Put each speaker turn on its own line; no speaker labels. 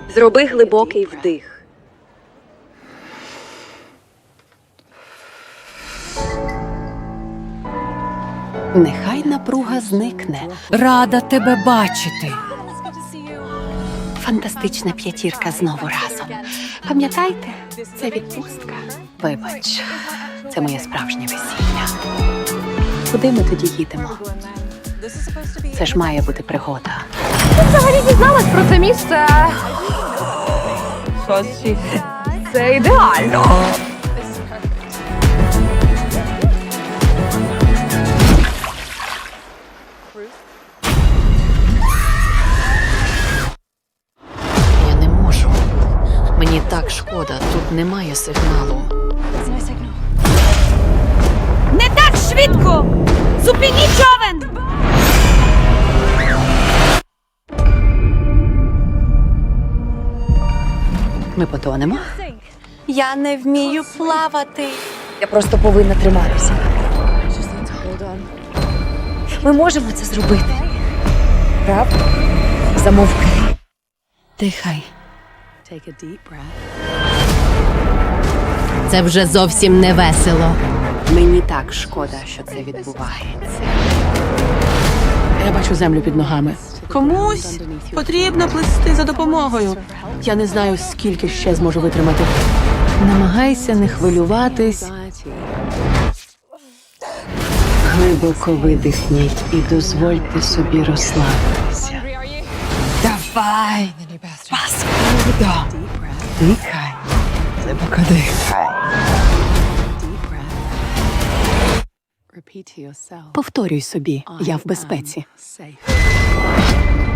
Зроби глибокий вдих.
Нехай напруга зникне.
Рада тебе бачити.
Фантастична п'ятірка знову разом. Пам'ятайте, це відпустка. Вибач, це моє справжнє весілля. Куди ми тоді їдемо? Це ж має бути пригода.
Взагалі дізналась про це місце. Сосі. Це ідеально.
Я не можу. Мені так шкода, тут немає сигналу.
Не так швидко! Зупиніть човен!
Ми потонемо?
Я не вмію плавати.
Я просто повинна триматися. Ми можемо це зробити. Правда? Замовкни.
Дихай.
Це вже зовсім не весело.
Мені так шкода, що це відбувається.
Я бачу землю під ногами. Комусь потрібно плисти за допомогою. Я не знаю, скільки ще зможу витримати.
Намагайся не хвилюватись.
Глибоко видихніть і дозвольте собі розслабитися.
Давай!
Паскудо! Дихай. Глибоко дихай. Повторюй собі, я в безпеці.